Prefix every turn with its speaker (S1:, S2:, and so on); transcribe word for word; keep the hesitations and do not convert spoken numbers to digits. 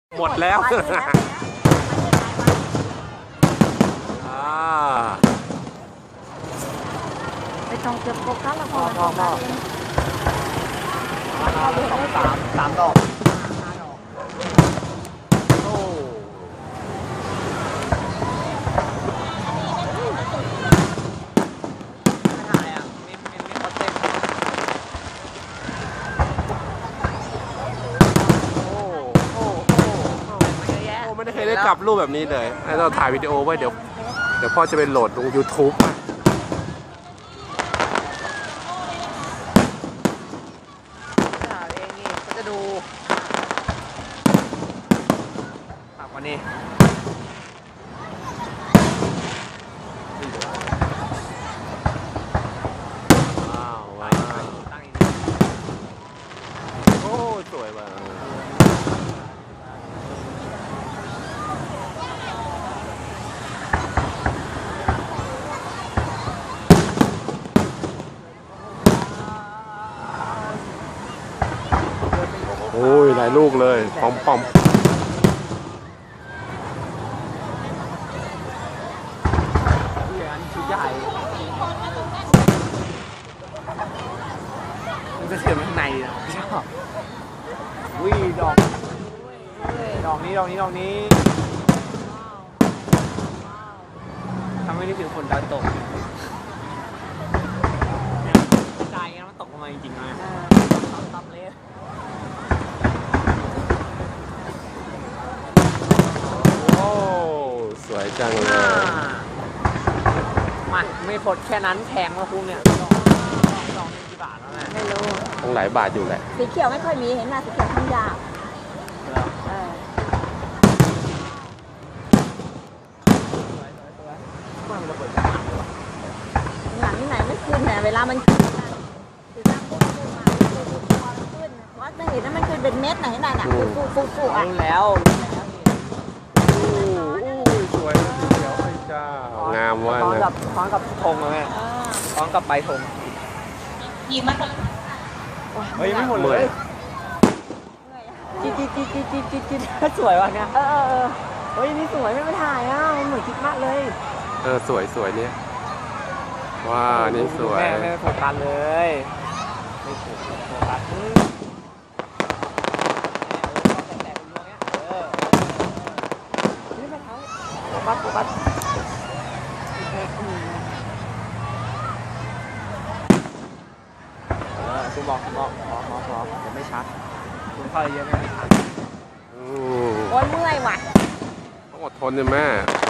S1: หมดแล้ว
S2: ไปต้องเก็บโฟกัสละพอพอพอ
S3: สองสามสามดอก
S1: โอ้
S3: ถ่ายอ่ะมีมีมีคอนเทนต์
S1: โอ้โอ้โอ้โอ้ไม่ได้เคยได้จับรูปแบบนี้เลยให้เราถ่ายวิดีโอไว้เดี๋ยวเดี๋ยวพ่อจะไปโหลดลง ยูทูบ นะ
S3: ถ่ายเองนี่ก็จะดูฝากวันนี้
S1: ว้าวว้าว
S3: ตั้งอีก
S1: โอ้สวยมากโอ้ยหลายลูกเลยปอมปอม
S3: เหลืออันชุดใหญ่มันจะเสียบข้างในนะชอบวิ่งดอกดอกนี้ดอกนี้ดอกนี้ทำให้นึกถึงฝนดาวตกใจงั้นมันตกลงมาจริงๆนะตับเลย
S1: โอ้สวยจังเลย
S3: มาไม่พดแค่นั้นแพงมาคุ้มเนี่ยดอกดอกนึงกี่บาทแล้วแม่
S2: ไม่รู้
S1: ต้องหลายบาทอยู่แหละ
S2: สีเขียวไม่ค่อยมีเห็นไหมสีเขียวทั้งยาวเออหลังไหนไม่ขึ้นเนี่ยเวลามันขึ้นสีดำปุ๊บขึ้นมาขึ้นวัดไม่เห็นนะมันขึ้นเป็นเม็ดไหนไหนน่ะฟูฟูฟูอ่ะ
S3: รู้แล้ว
S1: อู้อู้สวยสีเขียวไอ้เจ้างามว่า
S3: พร้อม
S1: นะ
S3: กับพร้อมกับธงเลยแม่พร้อมกับใบธง
S2: ยิงมัน
S3: เฮ้ยไม่หมดเลยจิ๊ดจิ๊ดจิ๊ดจิ๊ดจิ๊ดจิ๊ดจิ๊ดสวยว่ะเนี่ย
S2: เออเออเออ
S3: เฮ้ยนี่สวยไม่มาถ่ายอ่ะเหมือนคิดมากเลย
S1: เออสวยสวยเนี่ยว้านี่สวย
S3: แม่ไม่โฟกัสเลยไม่โฟกัสโฟกัสโฟกัสคุณบอกคุณบอกบอกบอกบอกเดี๋ยวไม่ชัดคุณเข้าเยอะไม่ชัด
S1: อืม
S2: โอ้ยเมื่อยว่ะ
S1: ต้องอดทนเลยแม่